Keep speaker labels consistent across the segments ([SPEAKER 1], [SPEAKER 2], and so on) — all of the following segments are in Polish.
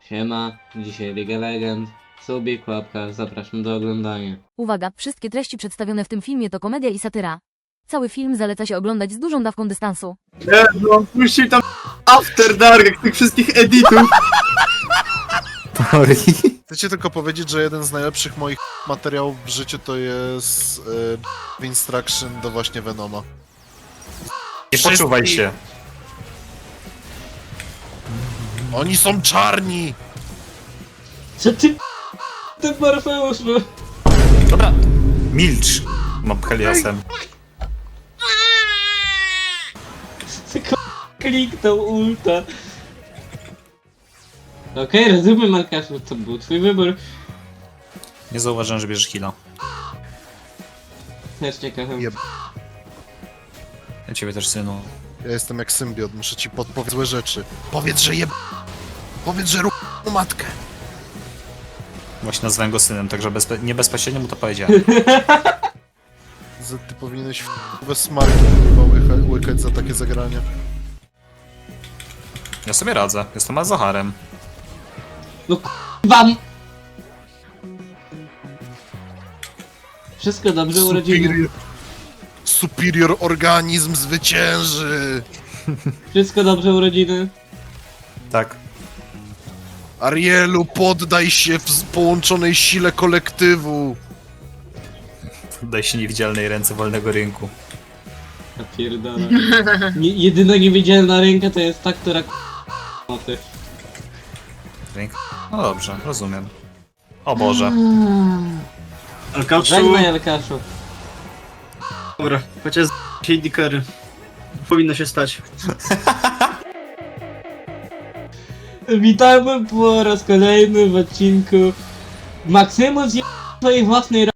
[SPEAKER 1] Siema, dzisiaj League Legend, subik, łapka, zapraszam do oglądania.
[SPEAKER 2] Uwaga, wszystkie treści przedstawione w tym filmie to komedia i satyra. Cały film zaleca się oglądać z dużą dawką dystansu.
[SPEAKER 3] No, puścił tam After Dark, jak tych wszystkich editów.
[SPEAKER 4] Chcecie tylko powiedzieć, że jeden z najlepszych moich materiałów w życiu to jest Instruction do właśnie Venoma.
[SPEAKER 5] Nie poczuwaj się.
[SPEAKER 4] Oni są czarni!
[SPEAKER 1] Co ty Morfeusz, no?
[SPEAKER 5] Dobra, milcz. Mam Heliosem.
[SPEAKER 1] Kliknął ulta. Okej, rozumiem, Markaszu, to był twój wybór.
[SPEAKER 5] Nie zauważyłem, że bierzesz heal'a.
[SPEAKER 1] Też ciekawym.
[SPEAKER 4] Jeb.
[SPEAKER 5] Ja ciebie też, synu.
[SPEAKER 4] Ja jestem jak symbiot, muszę ci podpowiedzieć złe rzeczy. Powiedz, że Powiedz, że matkę.
[SPEAKER 5] Właśnie nazwałem go synem, także nie bezpośrednio mu to powiedziałem.
[SPEAKER 4] Ty powinieneś we smarki łykać za takie zagranie.
[SPEAKER 5] Ja sobie radzę, jestem Azaharem.
[SPEAKER 1] Wam! Wszystko dobrze, urodziny.
[SPEAKER 4] Superior organizm zwycięży!
[SPEAKER 1] Wszystko dobrze, urodziny.
[SPEAKER 5] Tak.
[SPEAKER 4] Arielu, poddaj się w połączonej sile kolektywu!
[SPEAKER 5] Daj się niewidzialnej ręce wolnego rynku.
[SPEAKER 1] Ja pierdolę. Jedyna niewidzialna ręka to jest ta, która moty.
[SPEAKER 5] Ręk? No dobrze, rozumiem. O Boże.
[SPEAKER 3] Alkaczu.
[SPEAKER 1] Żegnaj, Alkaszu.
[SPEAKER 3] Dobra, chociaż z dikery. Powinno się stać.
[SPEAKER 1] Witamy po raz kolejny w odcinku. Maksymus je swojej własnej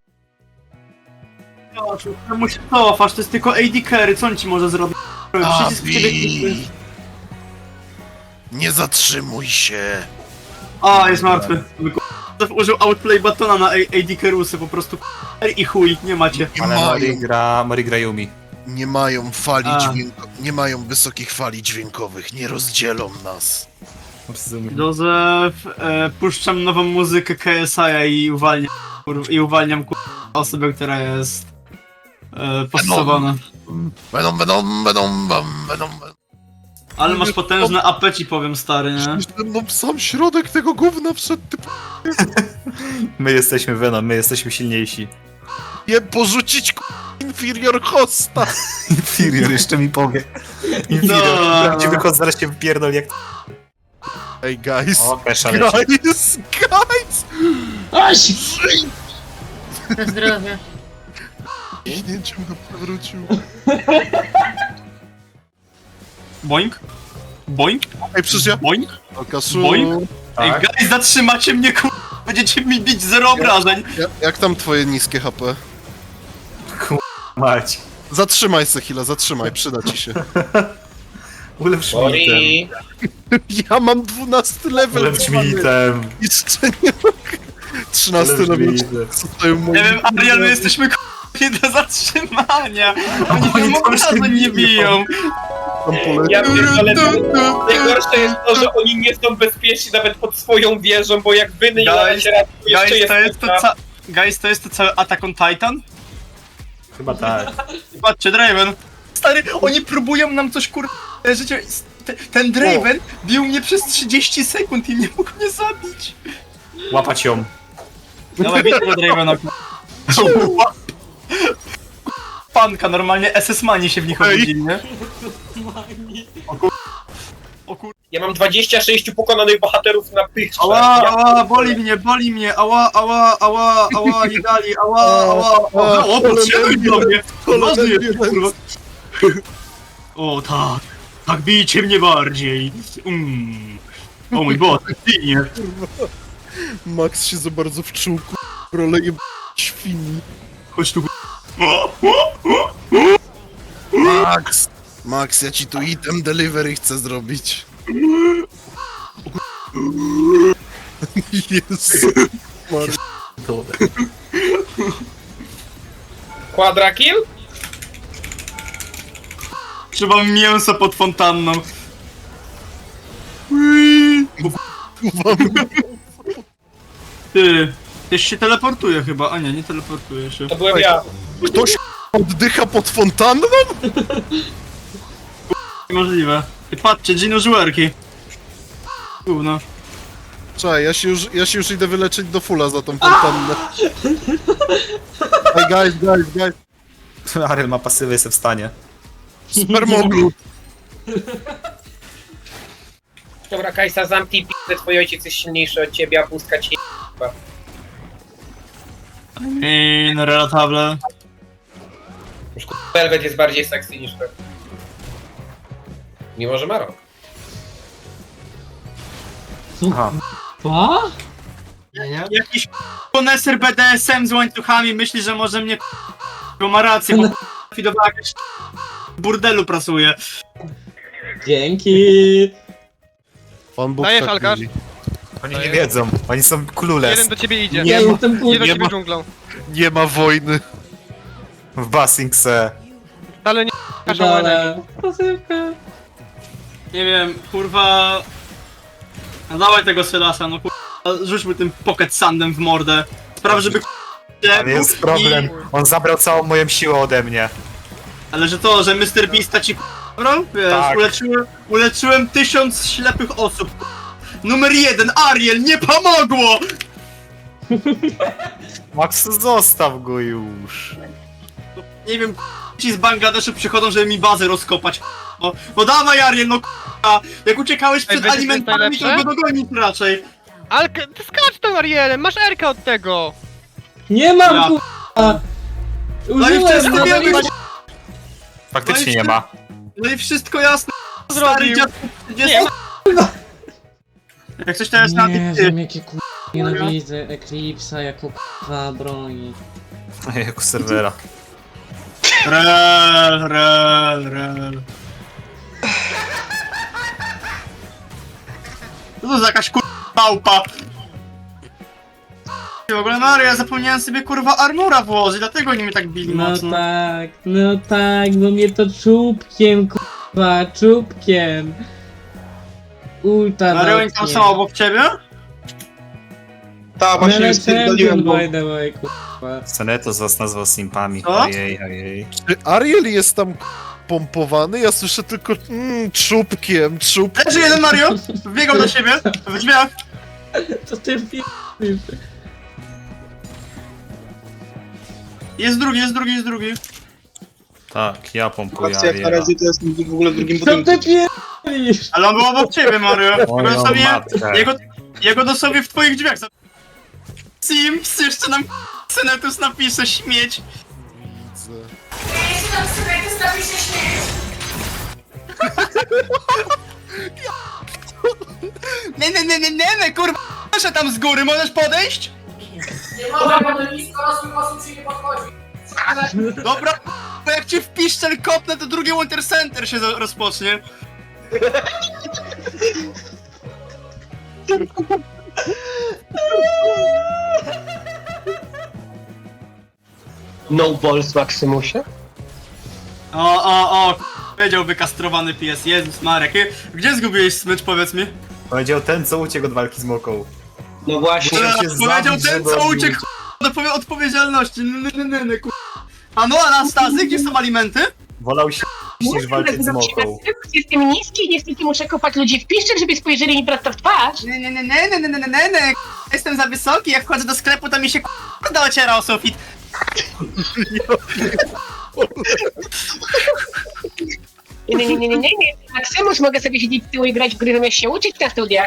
[SPEAKER 3] Czemu się cofasz? To jest tylko AD carry, co on ci może zrobić? Przycisk w ciebie kliknąć.
[SPEAKER 4] Nie zatrzymuj się!
[SPEAKER 3] A, jest martwy. Użył outplay batona na AD carrusy, po prostu i chuj, nie macie.
[SPEAKER 5] Ale Mori gra Yumi.
[SPEAKER 4] Nie mają fali
[SPEAKER 3] A.
[SPEAKER 4] nie mają wysokich fali dźwiękowych, nie rozdzielą nas.
[SPEAKER 5] Rozumiem.
[SPEAKER 3] Józef, puszczam nową muzykę KSI i uwalniam osobę, która jest postosowana.
[SPEAKER 4] Będą.
[SPEAKER 3] Ale masz potężne AP, ci powiem, stary, nie?
[SPEAKER 4] No sam środek tego gówna wszedł, ty
[SPEAKER 5] My jesteśmy Venom, my jesteśmy silniejsi.
[SPEAKER 4] je porzucić inferior hosta!
[SPEAKER 5] Inferior jeszcze mi powie. Inferior,
[SPEAKER 3] No.
[SPEAKER 5] prawdziwy host zaraz się wypierdol jak...
[SPEAKER 4] Ej guys,
[SPEAKER 5] O, Pesza leci.
[SPEAKER 4] guys!
[SPEAKER 1] Aś!
[SPEAKER 6] Na zdrowie.
[SPEAKER 4] Kiśnięciem go przewrócił.
[SPEAKER 3] Boink? Boink?
[SPEAKER 4] Ej, przecież ja...
[SPEAKER 3] Boink?
[SPEAKER 4] Alkaszu,
[SPEAKER 3] Boink? Ej,
[SPEAKER 5] Tak?
[SPEAKER 3] guys, zatrzymacie mnie, będziecie mi bić 0 obrażeń.
[SPEAKER 4] jak tam twoje niskie HP?
[SPEAKER 5] Mać.
[SPEAKER 4] Zatrzymaj se chwilę, zatrzymaj, przyda ci się.
[SPEAKER 5] Ulepsz mi item.
[SPEAKER 4] Ja mam 12 level,
[SPEAKER 5] Ulepsz mi item.
[SPEAKER 4] jeszcze nie mogę. 13
[SPEAKER 5] Ulepsz mi
[SPEAKER 4] level,
[SPEAKER 5] item.
[SPEAKER 4] co tutaj mój...
[SPEAKER 3] Nie wiem, Ariel, my jesteśmy nie do zatrzymania. Oni
[SPEAKER 5] Oni
[SPEAKER 3] tam
[SPEAKER 5] tam się
[SPEAKER 3] obrażeń nie
[SPEAKER 5] biją.
[SPEAKER 3] biją.
[SPEAKER 4] Tam poleciał.
[SPEAKER 7] Ja pierdolę, najgorsze jest to, że oni nie są bezpieczni nawet pod swoją wieżą, bo jak wy nie
[SPEAKER 3] Guys,
[SPEAKER 7] dacie rady, to jeszcze
[SPEAKER 3] Guys,
[SPEAKER 7] jest
[SPEAKER 3] to jest to cały Attack on Titan?
[SPEAKER 5] Chyba tak.
[SPEAKER 3] Patrzcie, Draven. Stary, oni próbują nam coś życie... Ten Draven bił mnie przez 30 sekund i nie mógł mnie zabić.
[SPEAKER 5] Łapać ją.
[SPEAKER 3] Dawaj, bić tego Dravena. Panka, normalnie SS-mani się w nich obudzili, nie? O kur...
[SPEAKER 7] Ja mam 26 pokonanych bohaterów na pychcze.
[SPEAKER 3] Ała, boli mnie, ała, nie dali, ała, o, podszedłeś do mnie, ważny jest, kurwa. O, tak bijcie mnie bardziej. O mój Boże, ginie.
[SPEAKER 4] Max się za bardzo wczuł, rolę je świni.
[SPEAKER 3] Chodź tu,
[SPEAKER 4] Max, ja ci tu item delivery chcę zrobić. Jezu.
[SPEAKER 7] Quadrakill?
[SPEAKER 3] trzeba mięso pod fontanną.
[SPEAKER 4] kurwa.
[SPEAKER 3] Ty, też się teleportuje chyba, a nie teleportuje się.
[SPEAKER 7] To byłem ja.
[SPEAKER 4] Ktoś oddycha pod fontanną?
[SPEAKER 3] Niemożliwe. I patrzcie, Gino żuerki. Gówno.
[SPEAKER 4] Czekaj, ja się już idę wyleczyć do fulla za tą fontannę. Hey guys.
[SPEAKER 5] Ariel ma pasywy, jestem w stanie.
[SPEAKER 4] Spermoglut.
[SPEAKER 7] Dobra, Kajsa, zamknij p***, twój ojciec jest silniejszy od ciebie, a pustka ci
[SPEAKER 3] I no relatable.
[SPEAKER 7] Już Velvet jest bardziej sexy niż to. Mimo, że ma rok.
[SPEAKER 5] Aha.
[SPEAKER 1] Pa?
[SPEAKER 3] Jakiś koneser BDSM z łańcuchami myśli, że może mnie bo ma rację, bo widowała jakaś w burdelu pracuje.
[SPEAKER 1] Dzięki.
[SPEAKER 4] Pan Bóg
[SPEAKER 8] Dajesz,
[SPEAKER 4] tak
[SPEAKER 8] Alkarz?
[SPEAKER 4] mówi.
[SPEAKER 5] Oni nie wiedzą, oni są clueless.
[SPEAKER 8] Jeden do ciebie idzie.
[SPEAKER 1] Ja jestem
[SPEAKER 8] Idzie do
[SPEAKER 1] kurwa.
[SPEAKER 4] nie
[SPEAKER 8] ciebie
[SPEAKER 4] ma-
[SPEAKER 8] dżunglą.
[SPEAKER 4] Nie ma wojny.
[SPEAKER 5] W Basingse.
[SPEAKER 8] Ale nie kaszałane.
[SPEAKER 1] Dole. Pasywka.
[SPEAKER 3] Nie wiem, kurwa... No dawaj tego Sylasa, no kurwa, rzućmy tym pocket sandem w mordę. Spraw, żeby
[SPEAKER 5] Ale jest problem, on zabrał całą moją siłę ode mnie.
[SPEAKER 3] Ale że to, że Mr. Beasta ci brał? Wiesz,
[SPEAKER 5] Tak.
[SPEAKER 3] uleczyłem 1000 ślepych osób. Numer 1, Ariel, nie pomogło!
[SPEAKER 5] Max, zostaw go już.
[SPEAKER 3] Nie wiem, ci z Bangladeszu przychodzą, żeby mi bazę rozkopać. No dawaj Ariel, no k***a. Jak uciekałeś przed
[SPEAKER 8] wiecie, co jest
[SPEAKER 3] alimentami, to
[SPEAKER 8] najlepsze?
[SPEAKER 3] go dogonić raczej.
[SPEAKER 8] Alka, ty skacz tam, Arielem, masz Erkę od tego!
[SPEAKER 1] Nie mam
[SPEAKER 3] Ja.
[SPEAKER 1] kurwa.
[SPEAKER 3] No i
[SPEAKER 1] Użyłem
[SPEAKER 3] wszystko
[SPEAKER 1] no,
[SPEAKER 3] wiemy,
[SPEAKER 5] Faktycznie nie ma.
[SPEAKER 3] no i wszystko jasne. Stary
[SPEAKER 8] Zrobił.
[SPEAKER 3] dziad 30. Jak coś teraz na
[SPEAKER 1] Nie
[SPEAKER 3] ty.
[SPEAKER 1] wiem jakie kurwa nienawidzę Eclipse'a jako kurwa broni.
[SPEAKER 5] Jako serwera.
[SPEAKER 3] Rel. Co to za jakaś kurwa małpa? W ogóle Mario, ja zapomniałem sobie kurwa armura włożyć, dlatego oni mnie tak bili
[SPEAKER 1] No
[SPEAKER 3] mocno.
[SPEAKER 1] tak, bo mnie to czubkiem kurwa, czubkiem. Ulta
[SPEAKER 3] Mario, oni tam są obok ciebie?
[SPEAKER 7] Tak, właśnie już spierdoliłem, bo...
[SPEAKER 1] by the way, kurwa.
[SPEAKER 5] Seneto was nazwał simpami.
[SPEAKER 3] Co?
[SPEAKER 5] Ojej.
[SPEAKER 4] Czy Ariel jest tam pompowany? Ja słyszę tylko czubkiem.
[SPEAKER 3] Leży jeden Mario, wbiegał do siebie, w drzwiach.
[SPEAKER 1] Co ty p***isz?
[SPEAKER 3] Jest drugi.
[SPEAKER 5] Tak, ja pompuję
[SPEAKER 7] Patrzcie, jak na
[SPEAKER 5] Ariela.
[SPEAKER 7] razie to jest w ogóle w drugim
[SPEAKER 1] Co
[SPEAKER 7] budynku.
[SPEAKER 1] ty p***isz?
[SPEAKER 3] Ale on był obok ciebie, Mario.
[SPEAKER 5] Moją
[SPEAKER 3] sobie,
[SPEAKER 5] matkę.
[SPEAKER 3] jego dosłownie w twoich drzwiach. Sims, jeszcze nam Senetus napisze śmieć. Nie, kurwa, proszę tam z góry, możesz podejść?
[SPEAKER 6] Nie mogę, bo do nisko rosłych osób się nie podchodzi.
[SPEAKER 3] Dobra, bo jak ci w piszczel kopnę, to drugi Winter Center się rozpocznie.
[SPEAKER 7] No balls, Maximusie?
[SPEAKER 3] Powiedział wykastrowany pies, Jezus Marek. Gdzie zgubiłeś smycz, powiedz mi?
[SPEAKER 5] Powiedział ten, co uciekł od walki z Moką.
[SPEAKER 7] No właśnie.
[SPEAKER 5] Musiał się
[SPEAKER 3] Powiedział
[SPEAKER 5] zabić,
[SPEAKER 3] ten,
[SPEAKER 5] żeby
[SPEAKER 3] co
[SPEAKER 5] odbić.
[SPEAKER 3] uciekł do odpowiedzialności. A no, Anastazy, gdzie są alimenty?
[SPEAKER 5] Wolał się niż walczyć z Moką.
[SPEAKER 9] Jestem niski i niestety muszę kopać ludzi w piszczek, żeby spojrzeli mi prosto w twarz.
[SPEAKER 3] Nie. Jestem za wysoki, jak wchodzę do sklepu, to mi się dociera o sufit.
[SPEAKER 9] Nie. Maksymus, mogę sobie siedzieć z tyłu i grać w gry zamiast się uczyć na studiach.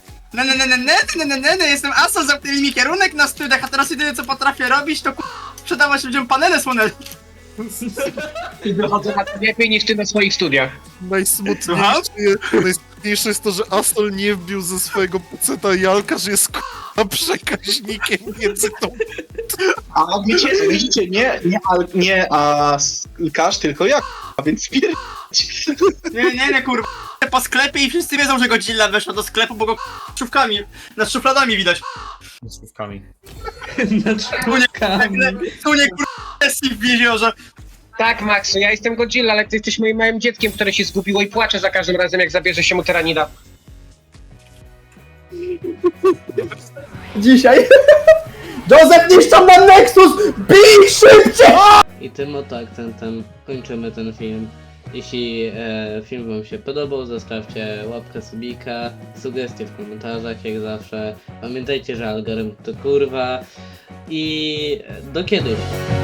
[SPEAKER 3] Jestem asą, zamknęli mi kierunek na studiach, a teraz jedyne co potrafię robić, to sprzedawać ludziom panele słoneczne.
[SPEAKER 9] I wychodzę na to lepiej niż ty na swoich studiach.
[SPEAKER 4] Najsmutniejsze jest to, że Astol nie wbił ze swojego peceta Jalka, że jest k***a przekaźnikiem między tą...
[SPEAKER 10] A widzicie, nie Alkarz, tylko ja, a więc
[SPEAKER 3] Nie, kurwa. Po sklepie i wszyscy wiedzą, że Godzilla weszła do sklepu, bo go szufkami, nad szufladami widać.
[SPEAKER 5] Z słówkami.
[SPEAKER 3] Tu nie kurwa sesji w jeziorze.
[SPEAKER 9] Tak, Max, ja jestem Godzilla, ale ty jesteś moim małym dzieckiem, które się zgubiło i płacze za każdym razem, jak zabierze się mu tyranida.
[SPEAKER 6] Dzisiaj. Joseph, niszczą nam Nexus! Bij szybciej!
[SPEAKER 1] I tym oto akcentem kończymy ten film. Jeśli film wam się podobał, zostawcie łapkę, subika, sugestie w komentarzach jak zawsze. Pamiętajcie, że algorytm to kurwa i do kiedyś.